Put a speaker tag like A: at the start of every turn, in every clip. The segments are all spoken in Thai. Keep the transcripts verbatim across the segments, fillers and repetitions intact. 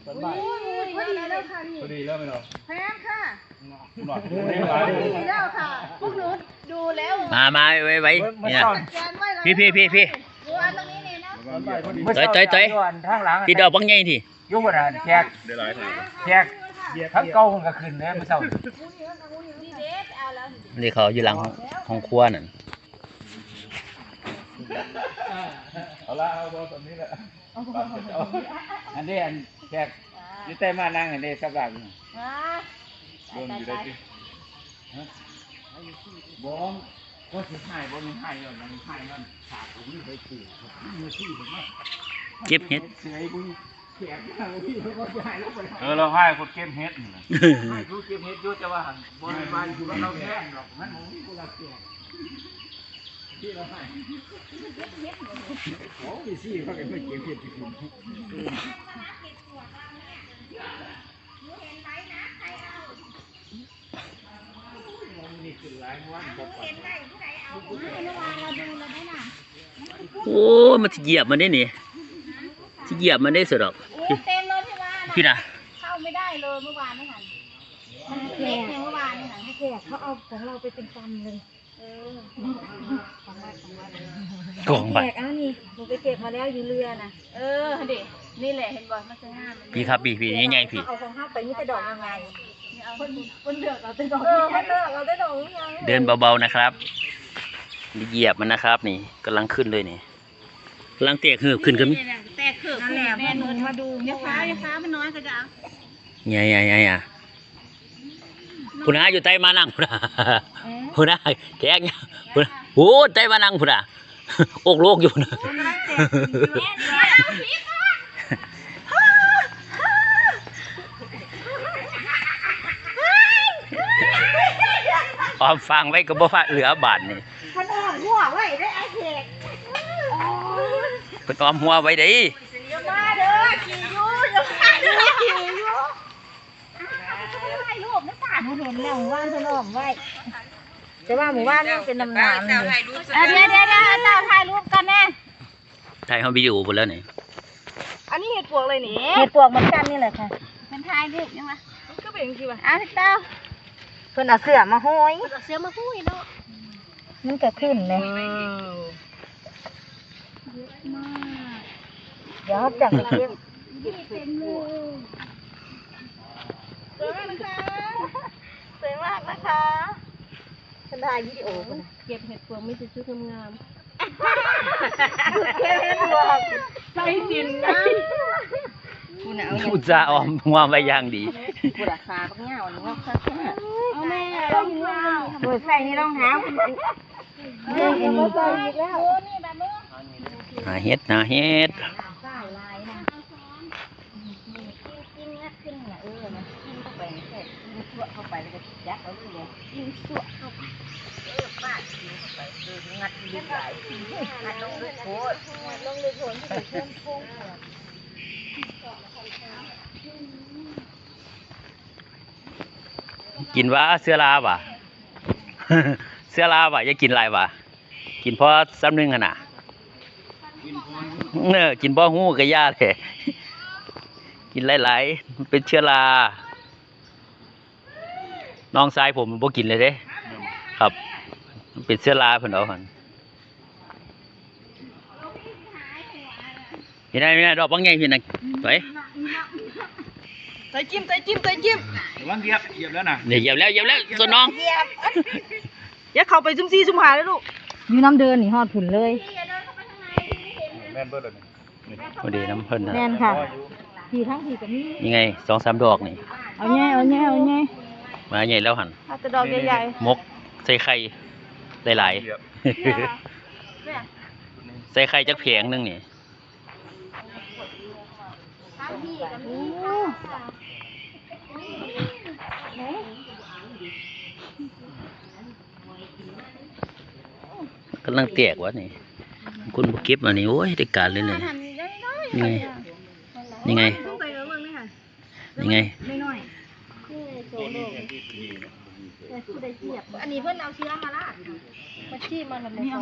A: อนบ่าย
B: พอดีแล้วค่ะนี่
A: พอดีแล้วไหมเนาะ
B: แพงค่ะ
A: หน่อย
B: พอดีแล้วค่ะพวกหนูดูแล้ว
C: มามาไว้ไว้นี่นะพี่พี่พี่พี่
B: ดูอันตรงนี้นี่เนาะ
C: เตยเตยเตยพี่ดอกบังใหญ่ที
D: ยุ่งอะไรแขกแขกทั้งเก่าคนก็ขึ้นเลยไม่เศร้า
C: นี่เขาอยู่หลังห้องครัวนั่น
A: เอาละเอาตอนนี้แหละ
D: อันนี้อันแขกนี่แต่มานั่งอันนี้สักหลัง
A: โดนอยู่ได้ที่
D: บ้องก็สิหายบ่มีหายแล้วมันหายนั่นขาดผมนี่ไปปลูกมือที่ผมว่า
C: เก็บเห็ด
D: เสียบุญแขกที่เขาก็หายแล้วไป
A: เออเราให้คนเก็บเห็ดนี่นะ
D: ให้ผู้เก็บเห็ดยุ่จะว่าบริบาลคือว่าเราแย่งหรอกมันมึงกูรักแกที่เราให้โอ้ยสิเขาก็ไม่เก็บเห็ดที่คุณ
C: โอ้มันเหยียบมันได้นี่เหยียบมันได้สุดหรอก
B: เต็มเลยพี่วาน
C: พี่นะ
B: เข้าไม่ได้เลยเมื่อวานนี่ค่ะแขกเมื่อวานนี่ค่ะแขกเขาเอาของเราไปเป็นกำเลยเออกองไปแขกอ้านี่หนูไปเก็บมาแล้วอยู่เรือนะเออเด็กนี่แหละเห็นบ่มันจะง่าย
C: พี่ครับพี่พี่ง่ายๆพี่
B: เอาของข้าวไปนี่จะดอกยังไงเอาคนคนเลือกเอาแต่ดอกเออคนเลือกเอาแต่ดอกยังไง
C: เดินเบาๆนะครับเหยียบมันนะครับนี่กำลังขึ้นเลยนี่กำลังแตกหืบขึ้นกัน
B: แตกหืบนั่นแหละแม่หนูมาดูยาฟ้ายาฟ้ามันน้อยก็จะเอา
C: ไงไงไงอ่ะผู้น้าอยู่ใต้มานั่งผู้น้าผู้น้าแขกเนี่ยผู้น้าโอ้ใต้มานั่งผู้น้าอกโลกอยู่นะออมฟังไว้ก็บ่ว่าเหลือบาทนี่
B: ขนมหัวไว้ได้ไอ้เด็ก
C: เป็นออมหัวไว้ดิ
B: มาเด้อขี่ยูอย่ามาเด้อขี่ยูถ่ายรูปนะจ๊ะหนูเห็นแล้วหมู่บ้านขนมไว้แต่ว่าหมู่บ้านนี่เป็นน้ำน้ำเดี๋ยวเดี๋ยวเดี๋ยวเจ้าถ่ายรูปกันแน่
C: ถ่ายเขาวิดีโอหมดแล้วนี่
B: อันนี้เห็ดปวกเลยนี่เห็ดปวกเหมือนกันนี่แหละค่ะเป็นถ่ายรูปยังไงก็เป็นคือว่าอ้าวเจ้าเพิ่นเอาเสื้อมาห้อยเอาเสื้อมาห้อยเนาะมันก็ขึ้นเลยเดี๋ยวจับเก็บเก็บเต็มเลยสวยมากนะคะสวยมากนะคะฉันถ่ายวิดีโอเก็บเห็ดปวกไม่ใช่ชุดงามเก็บเห็ดปวกใส่ดินนะ
C: อุตส่าห์ออมหัวไว้อย่างดี
B: กูราคาปักเงาหนูว่าค่าเอาแม่ลองเงาเปิดใส่นี่รองเท้าเรื่องเอ็นมาใส่อีกแล้ว
C: หาเห็ดหาเห็ด
B: จิ้มงัดขึ้นเนี่ยเออนะจิ้มเข้าไปแค่จิ้มชั่วเข้าไปแล้วก็ยัดเอาเลยจิ้มชั่วเข้าไปเออฟาดจิ้มเข้าไปเอองัดลึกไหลงัดลงลึกโผล่งัดลงลึกโผล่ที่เพิ่มโค้ง
C: กินว่าเสื้อลาบ่ะ เสื้อลาบ่ะอย่ากินลายบ่ะกินเพราะซ้ำนึงขนาดเนอกินเพราะหูกระยาเลยกินหลายๆมันเป็นเชื้อราน้องชายผมมันบ่กินเลยเด้ครับมันเป็นเชื้อราเพิ่นเอาหั่นนี่ได้นี่ได้ดอกบางใหญ่พี่น่ะไป
B: ใส่จิ้มใส่จิ้มใส่จิ้ม
A: วางเหยียบเหยียบแล้วนะ
C: เหยียบแล้วเหยียบแล้วส่วนน้อง
B: อย่าเข้าไปซุ่มซี่ซุ่มหาเลยลูกอยู่น้ำเดินนี่ฮอดผุนเลย
A: แม่นเบิดเลย
C: พอดีน้ำเพิ่นนะ
B: แม่นค่ะทีทั้งทีกับนี้
C: ยังไงสองสามดอกนี่
B: เอาแง่เอาแง่เอาแง่
C: มาใหญ่แล้วหั่น
B: ถ้าจะดอกใหญ่
C: ๆมกใส่ไข่หลายๆใส่ไข่จักแผงนึงนี่กำลังแตกวะนี่คุณบุกเก็บมานี่โอ้ยได้การเลยเลยนี่ไงนี่ไงนี่ไง
B: อันนี้เพิ่นเอาเชื้อมาละมาชี้มันแบบนี้เอาไหม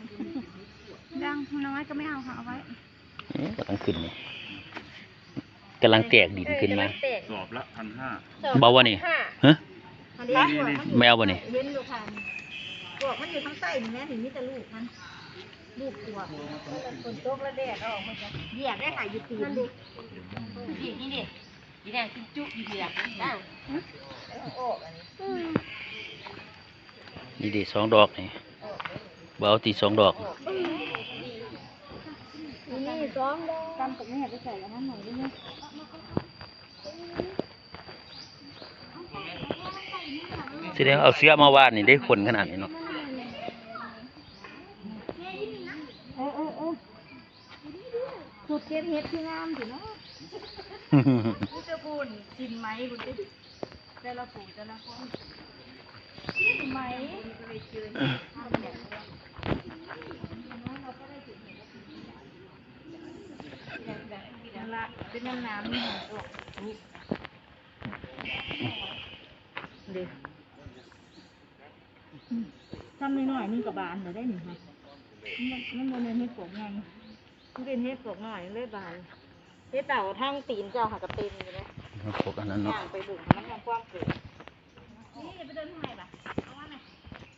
B: ดังน้อยก็ไม่เอาค่ะเอาไว้
C: กำลังขึ้นนี่กำลังแตกดินขึ้นมา
A: สอบละพันห้า
C: เบาวะนี่ฮะ
B: อันนี้พวกมัน
C: แมวบ่นี่
B: เห็นอยู่ค่ะพวกมันอยู่ข้างใต้นี่แม่ถึงมีแต่ลูกมันลูกตัวคนโตกระแดดออกมันจะเหยียบได้ค่ะอยู่ตีนดินี่นี่ดินี่แดงกินจุอยู่เหยียบได้โอ้อันนี้
C: นี่ดิสองดอกนี่เบเอาตีสองดอก
B: นี่สองดอกกำกับแม่ไปใส่แล้วนั่นหน่อยได้ไหม
C: แสดงเอาเสื้อมาวาดนี่ได้คนขนาดนี้เนาะ
B: เออเออเออสุดเก็บเห็ดที่งามสิเนาะกูจะพูนกินไหมคุณดิแต่ละปู่แต่ละคนกินไหมก็เลยเจอนั่นละเป็นน้ำน้ำนี่เด็กทำหน่อยๆนี่กับบานเดี๋ยวได้หนึ่งค่ะมันมันโมเมนต์เฮ็ดปกไงมันเป็นเฮ็ดปกหน่อยเลยบานเฮ็ดเต่าทั้งตีนเจ้าหากระเต็มอยู่เลย
C: พวกอันนั้นเนาะ
B: ย่างไปบุกมันยังกว้างเกินนี่ไปเดินทางไหนบ้างเอาว่าไหน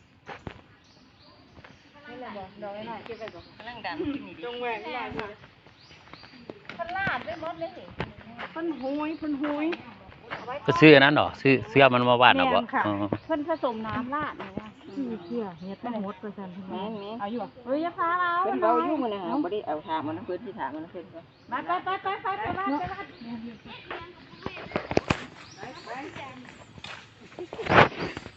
B: นี่แหละบอกดอกหน่อยเก็บไปบอกนั่งดำกินนี่จงแหวกได้ค่ะพันลาดไปหมดเลยพันหุยพันหุย
C: ก็ซื้ออันนั้นเหรอซื้อเสื้อมันมาวาดเอาบ่
B: ค่ะ
C: อ๋อ
B: เพิ่นผสมน้ำราดเนี่ยว่าชื่อเชื่อเนี่ยต้องหมดเปอร์เซ็นต์แม่แม่เอาอยู่เฮ้ยอย่าพาเรา
D: เพิ่นเบายุ่งมันนะฮะบ่ได้เอาถามมันนะเพิ่นที่ถามมันนะเพิ่นก็
B: มาไปไปไปไปไปลาดไปลาด